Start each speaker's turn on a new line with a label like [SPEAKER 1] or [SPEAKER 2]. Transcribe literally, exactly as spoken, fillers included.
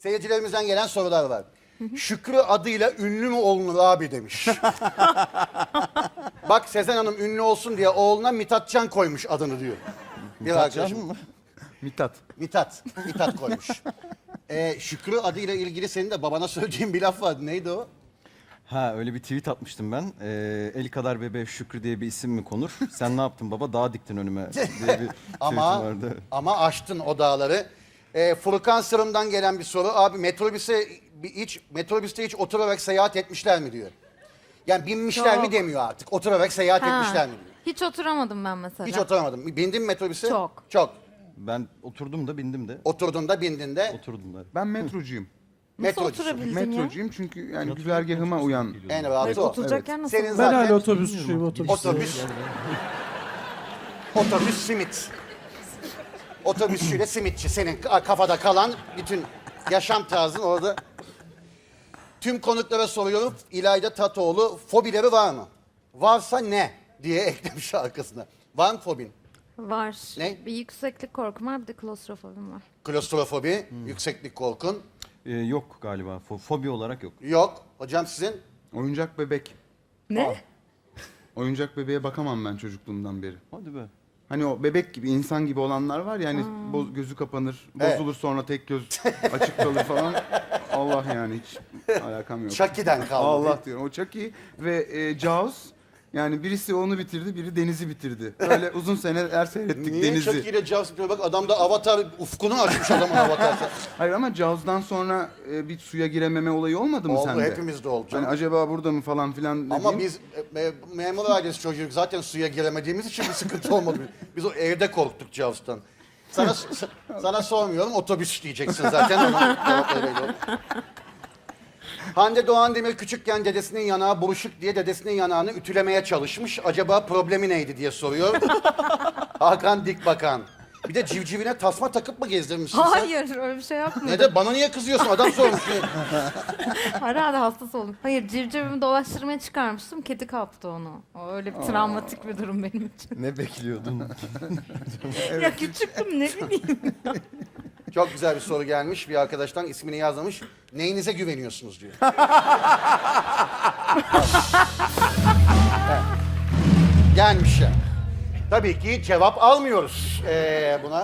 [SPEAKER 1] Seyircilerimizden gelen sorular var. Şükrü adıyla ünlü mü olunur abi demiş. Bak Sezen Hanım ünlü olsun diye oğluna Mithatcan koymuş adını diyor. Bir arkadaşım.
[SPEAKER 2] mı?
[SPEAKER 3] Mithat.
[SPEAKER 1] Mithat. Mithat koymuş. Ee, Şükrü adıyla ilgili senin de babana söylediğin bir laf vardı. Neydi o?
[SPEAKER 2] Ha öyle bir tweet atmıştım ben. Ee, el kadar bebeğe Şükrü diye bir isim mi konur? Sen ne yaptın baba? Dağ diktin önüme diye bir tweetim
[SPEAKER 1] Ama
[SPEAKER 2] vardı.
[SPEAKER 1] ama aştın o dağları. Ee, Furkan Sırım'dan gelen bir soru. Abi metrobüse bir hiç metrobüste hiç oturarak seyahat etmişler mi diyor. Yani binmişler
[SPEAKER 4] Yok.
[SPEAKER 1] mi demiyor artık. Oturarak seyahat
[SPEAKER 4] Ha,
[SPEAKER 1] etmişler mi diyor.
[SPEAKER 4] Hiç oturamadım ben mesela.
[SPEAKER 1] Hiç oturamadım. Bindin mi metrobüse?
[SPEAKER 4] Çok.
[SPEAKER 1] Çok.
[SPEAKER 2] Ben oturdum da bindim de.
[SPEAKER 1] Oturdun da bindin de.
[SPEAKER 2] Oturdum da.
[SPEAKER 3] Ben metrocuyum.
[SPEAKER 4] Nasıl
[SPEAKER 1] Metrocusun.
[SPEAKER 4] oturabildin ya?
[SPEAKER 3] Metrocuyum çünkü yani güzergahıma uyan.
[SPEAKER 1] En rahatı o.
[SPEAKER 4] Oturacak yer nasıl?
[SPEAKER 1] Senin
[SPEAKER 5] Ben
[SPEAKER 1] zaten
[SPEAKER 5] hala otobüsçüyüm, otobüs.
[SPEAKER 1] otobüs. Otobüs simit. Otobüsçüyle simitçi. Senin kafada kalan bütün yaşam tarzın orada. Tüm konuklara soruyorum. İlayda Tatoğlu fobileri var mı? Varsa ne diye eklemiş arkasına. Var mı fobin?
[SPEAKER 4] Var.
[SPEAKER 1] Ne?
[SPEAKER 4] Bir yükseklik korkum var, bir de klostrofobim var.
[SPEAKER 1] Klostrofobi, yükseklik korkun.
[SPEAKER 2] Ee, yok galiba. Fo- fobi olarak yok.
[SPEAKER 1] Yok. Hocam sizin?
[SPEAKER 3] Oyuncak bebek.
[SPEAKER 4] Ne?
[SPEAKER 3] Oyuncak bebeğe bakamam ben çocukluğumdan beri.
[SPEAKER 2] Hadi be.
[SPEAKER 3] Hani o bebek gibi, insan gibi olanlar var ya hani boz- gözü kapanır,
[SPEAKER 1] Evet.
[SPEAKER 3] bozulur sonra tek göz açık kalır falan. Allah yani hiç alakam yok.
[SPEAKER 1] Chucky'den kaldı.
[SPEAKER 3] Allah diyorum. O Chucky ve e, Jaws. Yani birisi onu bitirdi, biri Deniz'i bitirdi. Böyle uzun seneler seyrettik
[SPEAKER 1] Niye
[SPEAKER 3] Deniz'i.
[SPEAKER 1] Chucky ile Jaws yapıyor? Bak adam da Avatar ufkunu açmış adamın Avatar.
[SPEAKER 3] Hayır ama Jaws'dan sonra e, bir suya girememe olayı olmadı mı
[SPEAKER 1] Oldu,
[SPEAKER 3] sende?
[SPEAKER 1] hepimizde oldu canım.
[SPEAKER 3] Hani acaba burada mı falan filan dediğim.
[SPEAKER 1] Ama biz e, e, memur ailesi çocuğuyuz. Zaten suya giremediğimiz için bir sıkıntı olmadı. Biz o evde korktuk Jaws'tan. Sana, s- sana sormuyorum, otobüs diyeceksin zaten. Ona cevap öyleydi o. Hande Doğan Demir küçükken dedesinin yanağı buruşuk diye dedesinin yanağını ütülemeye çalışmış. Acaba problemi neydi diye soruyor. Hakan Dikbakan. Bir de civcivine tasma takıp mı gezdirmişsin sen?
[SPEAKER 4] Hayır, öyle bir şey yapmadım.
[SPEAKER 1] Ne de bana niye kızıyorsun? Adam sormuş.
[SPEAKER 4] Herhalde hastası oldum. Hayır, civcivimi dolaştırmaya çıkarmıştım, kedi kaptı onu. O öyle bir travmatik bir durum benim için.
[SPEAKER 2] Ne bekliyordun?
[SPEAKER 4] Ya küçüktüm, ne bileyim.
[SPEAKER 1] Çok güzel bir soru gelmiş. Bir arkadaştan ismini yazmamış. Neyinize güveniyorsunuz diyor. Gelmiş ya. Tabii ki cevap almıyoruz ee, buna.